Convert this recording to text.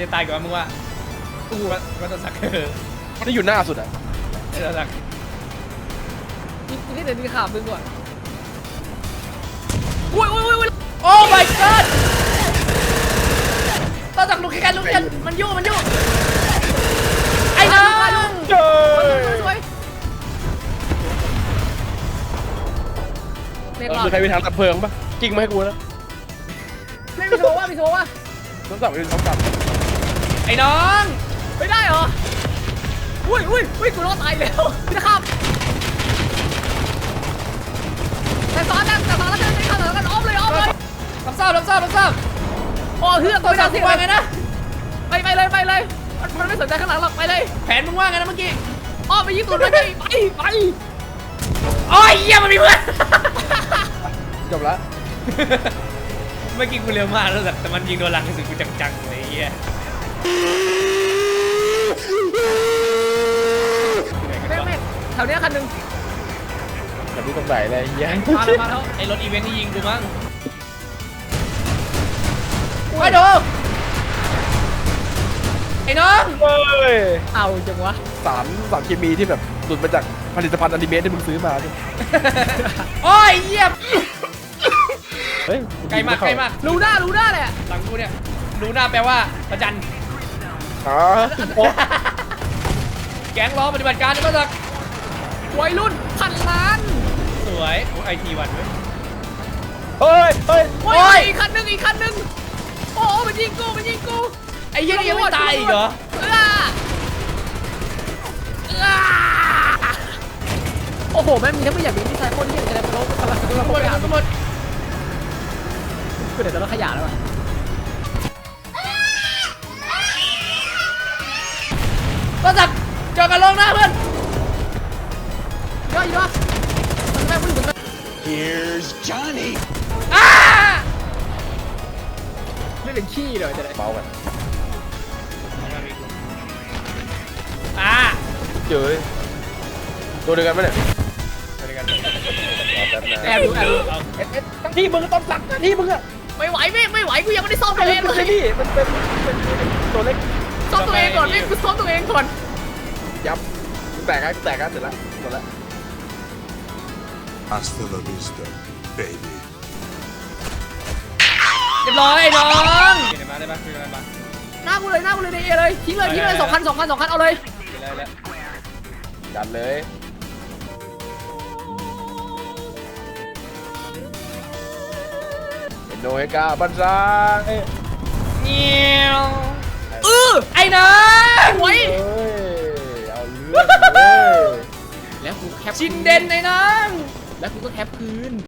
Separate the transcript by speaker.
Speaker 1: ตายก่อนมึงว่าวัตสัก
Speaker 2: มันจะอยู่หน้าสุดอ่ะ
Speaker 1: วัตสัก
Speaker 3: นี่เดี๋ยวนี่ขามึงก่อนอุ้ย
Speaker 1: โอ้ my god ต่อจากลูกแค่ลูกเดียวมันยุ่ไอ้น้อง
Speaker 3: สวยเน็ตหลอด
Speaker 2: ใครมีทางตัดเพลิงปะกิ้งมาให้กูนะ
Speaker 3: ไม่มีโชว์ว่า
Speaker 2: ต้องสั่งไปต้องกลับ
Speaker 1: ไอ้น้อง
Speaker 3: ไม่ได้เหรออุ้ยกูรอดตายแล้วนะครับแต่ซ้อนแล้วจะไม่เข้าแล้วกันอ้อมเลย
Speaker 1: รับทราบ
Speaker 3: โอ้เฮือกตัว
Speaker 1: สั่งว่าไงนะ
Speaker 3: ไปเลยมันไม่สนใจข้างหลังหรอกไปเลย
Speaker 1: แผนมึงว่าไงนะเมื่อกี้
Speaker 3: อ้อมไปยิงตูดไป
Speaker 1: โอ้ยเยี่ยมันมีเพื่อน
Speaker 2: จบละ
Speaker 1: เมื่อกี้กูเร็วมากแล้วแต่มันยิงโดนหลังสุดกูจังๆเลยเยี่ย
Speaker 3: ไม่แถวนี้คันหนึ่ง
Speaker 2: แบบนี้ตรงไหนเลยเยี่ย
Speaker 3: มาแล้ว
Speaker 1: ไอ้รถอีเวนต์ที่ยิงกูมั้งไปดูไอ้น้อง
Speaker 3: เอาจังวะ
Speaker 2: สารเคมีที่แบบหลุดมาจากผลิตภัณฑ์อนิเมะที่มึงซื้อมาดิ
Speaker 1: โอ้ยเยี่ยม
Speaker 2: เฮ้ย
Speaker 1: ไกลมาก
Speaker 3: รู้หน้าแหละ
Speaker 1: หลังกูเนี่ยรู้หน้าแปลว่าประจันแก๊งล้อปฏิบัติการนี่ก็จะ
Speaker 3: วัยรุ่นพันล้าน
Speaker 1: สวยไอทีวัน
Speaker 2: เฮ้ย
Speaker 3: อีกคันหนึ่งโอ้มันยิงกู
Speaker 1: ไอ้เหี้ยยังไม่ตายอีกเหรอ
Speaker 3: โอ้โหแม่มีทั้งไม่อยากมีที่ใช้คนที่อะไรพวกเราพลังทั้งหมดคือเดี๋ยวเราขยะแล้วอ่ะ
Speaker 1: ก็จัดเจอกันลงหน้าเพื่อน
Speaker 3: ย่อมันแม่ง
Speaker 4: Here's Johnny
Speaker 3: ไม่เป็นขี้เลยจะได้
Speaker 2: เบากันเจอตัวเดียวกันไหมเนี่ย
Speaker 3: แอบดู
Speaker 2: ทั้งที่มึงต้องสั่งที่มึงอะ
Speaker 3: ไม่ไหวกูยังไม่ได้ซ่อมตัวเองเลย
Speaker 2: นี่มันเป็นตัวเล็ก
Speaker 3: ซ่อมตัวเองก่อนกูซ่อมตัวเองก่อน
Speaker 2: ยับแตกกันเสร็จแล้วหมดแล้ว
Speaker 4: Hasta la vista baby
Speaker 1: เรียบร้อยไอ้น้องเดี๋ยวมาได้ปะคุยกันปะ
Speaker 3: หน้ากูเลยในเอเลยทิ้งเลย2 คันเอาเลย
Speaker 2: ดันเลยโนเฮกาบันซา
Speaker 1: เงี้ยวไอ้น้อง
Speaker 3: ไว้
Speaker 2: เอาเรื่องเลย
Speaker 3: แล้วกูแคป
Speaker 1: ชินเด่นไอ้น้อง
Speaker 3: แล้วกูก็แคปคืน